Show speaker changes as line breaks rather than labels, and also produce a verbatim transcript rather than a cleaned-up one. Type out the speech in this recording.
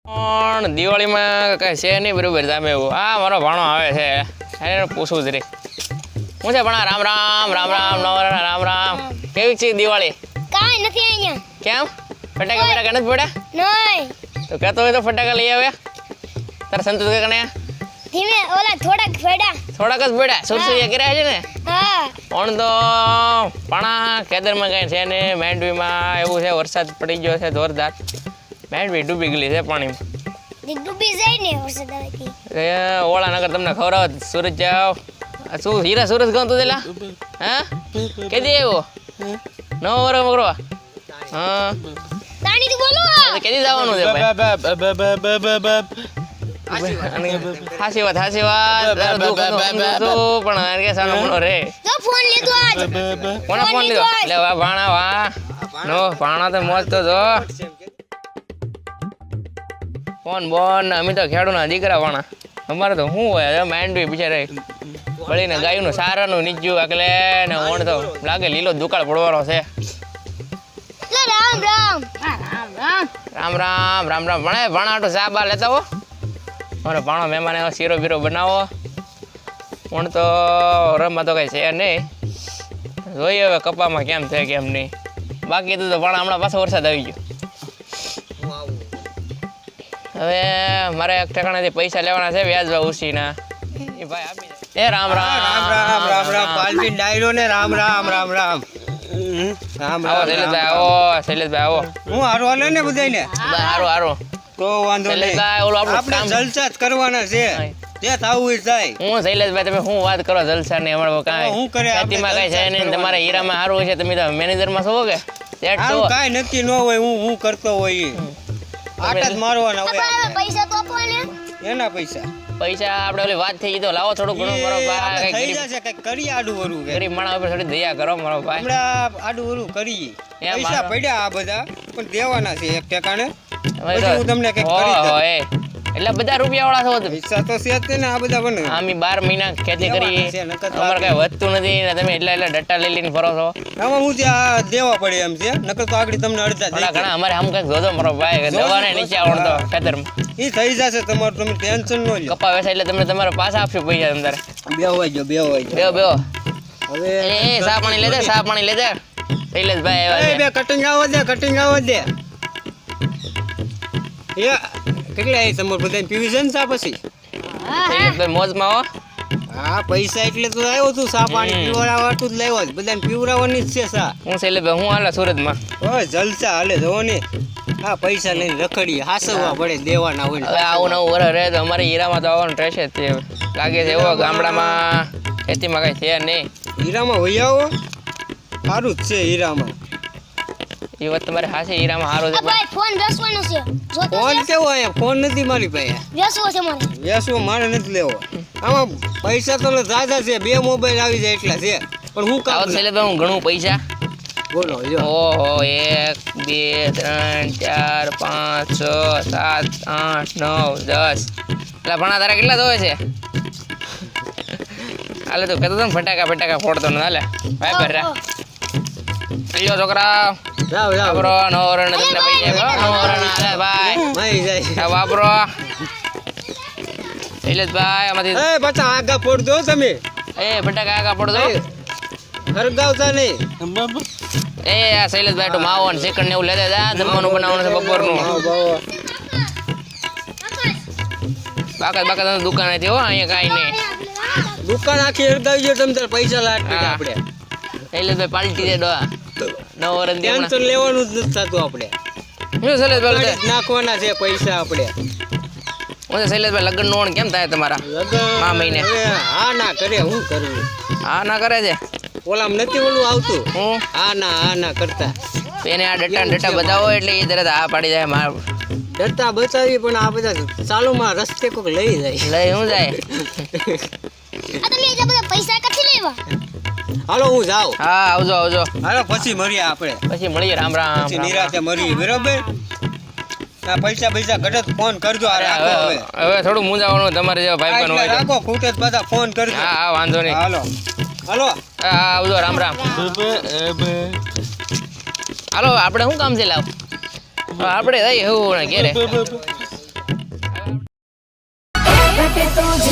પણ દિવાળીમાં કઈ છે નહીં બરોબર તમે એવું હા મારો ભાણો આવે છે એને પૂછવું જ રે હું છે ભણા રામ રામ રામ રામ નવરા રામ રામ કેવી છે દિવાળી
કાઈ નથી અહીંયા
કેમ ફટાકા ફટાકા નથી પડ્યા
નહીં
તો કહેતો હોય તો ફટાકા લઈ આવે તારા સંતોષ કાકા
ધીમે ઓલા થોડાક ફેડા
થોડાક જ પડ્યા સુરસુરિયા કર્યા છે ને
હા
પણ તો પાણા ખેતરમાં કઈ છે ને માંડવીમાં એવું છે વરસાદ પડી ગયો છે જોરદાર માંડવી ડૂબી ગયેલી છે પાણીમાં
ડૂબી જાય ને વરસાદ આવેથી
ઓળા નગર તમને ખવડાવ સુરત જાવ શું હીરા સુરત ગામ તું દેલા હા કેદી આવ્યો નવો વરો મગરો હા
તાણી તું બોલો
કેદી જવાનું છે હાસી વાત હાસી વાત પણ કે સાનો મનો રે
તો ફોન લીધો આજ
કોને ફોન લીધો લે વા ભાણા વા નો ભાણા તો મોજ તો જો ફોન બોન અમે તો ખેડૂના દીકરા વાણા અમારે તો શું હોય માંડવી બિચારે વળીને ગાયનું સારાનું નીચું આગલે ને ઓણ તો લાગે લીલો દુકાળ પડવાનો છે
રામ રામ
રામ રામ રામ રામ રામ ભણે ભાણા ચા બા લેતા હો મારો ભાણો મહેમાન શીરો બીરો બનાવો પણ તો રમવા તો કઈ છે નહીં જોઈએ હવે કપામાં કેમ છે કેમ નહીં બાકી તો ભાણા હમણાં પાછો વરસાદ આવી ગયો હવે મારે એક ઠેકાણાથી પૈસા લેવાના છે વ્યાજ ઉછીના એ ભાઈ આપી એ રામ રામ
રામ રામ રામ રામ પાલટી ડાયરો ને રામ રામ રામ રામ રામ
આવો શૈલેષભાઈ આવો શૈલેષભાઈ આવો
હું હારો હાલે ને બધાયને
હારું હારું
તો વાંધો નહીં
શૈલેષભાઈ ઓલું આપણું
આપણે
કામ
જલસા જ કરવાના છે જે થાવું એ થાય
હું શૈલેષભાઈ તમે શું વાત કરો જલસા ને અમારે કાંઈ
હું કરે આપણે
ખેતીમાં કઈ છે નહીં તમારા હીરામાં સારું હોય છે તમે તો મેનેજરમાં છો કે સેટ છો
આવું કાંઈ નક્કી ન હોય હું હું કરતો હોય ઈ. આટા જ મારવાના હોય
તમારા પૈસા તો આપો ને
આપણે. એના પૈસા
પૈસા આપણે ઓલી વાત થઈ ગઈ તો લાવો થોડું ઘણું કરો
એ આપણે
ભાઈ
થઈ
ગરીબ
જશે કઈક કરી આડું વરું કે
ગરીબ માણસ ઉપર થોડી દયા કરો મારો ભાઈ
હમણાં આડું વરું કરીએ
એમ
પૈસા
મારો-
પડ્યા આ બધા પણ દેવાના છે એક ઠેકાણે
હવે
પછી હું તમને કંઈક
હો,
કરી દઉં.
હો, એ. એટલે બધા રૂપિયા વાળા છો તમે
પૈસા તો છે જ તે ને આ બધા બને
આમી બાર મહિના ખેતી કરી
દેવાના છે, નકર તો
અમારે કઈ વધતું નથી ને તમે એટલા એટલા ડટ્ટા લઈ લઈને ફરો છો
આમાં હું ત્યાં દેવા પડે એમ છે નકર તો આગળ તમને અડધા
ઘણા
દઈ
ઘણા અમારે આમ કઈક જોજો મારો ભાઈ દવાને નીચે આવડતો ખેતરમાં
ઈ થઈ જશે તમારું તમે ટેન્શન ન લ્યો
કપા વેચાય એટલે તમને તમારે પાછા આપશું પૈસા તમારે
બેહવાઈ ગયો બેહવાઈ
બેહો બેહો
હવે
એ એ સા પાણી લેજે સા પાણી લેજે શૈલેષભાઈ
એ
આવ્યા
બે કટિંગ આવવા દે કટિંગ આવવા દે એ કેટલા એ તમારે બધાને પીવી છે ને ચા પછી
છે શૈલેષભાઈ મોજમાં હો
હા પૈસા એટલે તો આવ્યો તું ચા પાણી
હમ.
પીવડાવતું જ લાવ્યો છે બધાને પીવડાવવાની જ છે ચા
હું શૈલેષભાઈ હું હાલે સુરતમાં
ઓય જલસા હાલે જો ને હા પૈસા લઈને રખડીએ હાસવવા પડે દેવાના હોય
હવે આવું નવું વરસ રહે તો અમારે હીરામાં તો આવવાનું રહેશે જ તે હવે. લાગે છે એવો ગામડામાં ખેતીમાં કઈ છે નહીં
હીરામાં વહી આવો સારું જ છે હીરામાં
એ વાત તમારે હાશે હીરામાં સારું છે
આ ભાઈ ફોન બેસવાનો છે જો તો
ફોન કેવો અહીંયા ફોન નથી મારી પાસે
બેસવો છે મારે
વેસવો મારે નથી લેવો આમાં પૈસા તો ઝાઝા છે બે મોબાઈલ આવી જાય એટલા છે પણ હું કામ
આવો શૈલેષભાઈ હું ઘણું પૈસા
બોલો જો
ઓહો એક બે ત્રણ ચાર પાંચ છ સાત આઠ નવ દસ એટલે ભણા તારા કેટલા ધોવે છે હાલે તો કહેતો હતો ને ફટાકા ફટાકા ફોડતો ને હાલે ભાઈ ભર્યા અయ్యో છોકરા
જાવ જાવ
વાપરો નવરણ તમને પૈસા નવરણ હાલે ભાઈ
મારી જાય
આ વાપરો શૈલેષભાઈ આમાંથી
એ બચ્ચા આગા ફોડ દો તમે
એ ફટાકા આગા પડો
એ, હરગાવતા નહીં
એ આ શૈલેષભાઈ તો માવો ને ચિકન ને એવું લેતા જા જમવાનું બનાવવાનું છે બપોરનું
ભાવ, ભાવ.
બાકા બાકા દુકાન હતી હો અહીંયા કાંઈ નહીં
દુકાન આખી હરગાવી ગયો તમે તાર પૈસા લાટ
હા.
આપણે
શૈલેષભાઈ પાલટી દે ડોહા નવ વર્ષ દી હમણાં.
ટેન્શન લેવાનું જ નથી થતું આપણે
શું શૈલેષભાઈ
કાઢી જ નાખવાના છે પૈસા આપણે
હું તો શૈલેષભાઈ લગ્ન નું કેમ થાય તમારા
લગન
આ મહિને.
હવે હા ના કરે હું કરવું
હા ના કરે છે
ઓલામ નથી ઓલું આવતું
હું
હા ના હા ના કરતા
તો એને આ ડટ્ટા ને ડટ્ટા બતાવો એટલે એ તરત આ પાડી જાય માર
ડરતા બતાવી પણ આ બધા ચાલુમાં રસ્તે કોક લઈ જાય
લઈ હું જાય
આ તમે એટલા બધા પૈસા ક્યાંથી લેવા
હાલો હું જાઉં
હા આવજો આવજો
હાલો પછી મળીએ આપણે
પછી મળીએ રામ રામ
પછી
રામ રામ.
નિરાતે મળીએ બરોબર આ પૈસા પૈસા ઘટે તો ફોન કરજો આ રાખો
હવે
હવે
હવે થોડું મૂંઝાવાનું તમારે જેવા ભાઈ બહેન
આ
હોય તો.
રાખો ખૂટે તો બધા ફોન કરજો
હા હા વાંધો નહીં
હાલો હાલો
હા હા આવજો રામ રામ હાલો આપણે શું કામ છે લાવ આપણે થઈ એવું ને ઘેરે
તું જ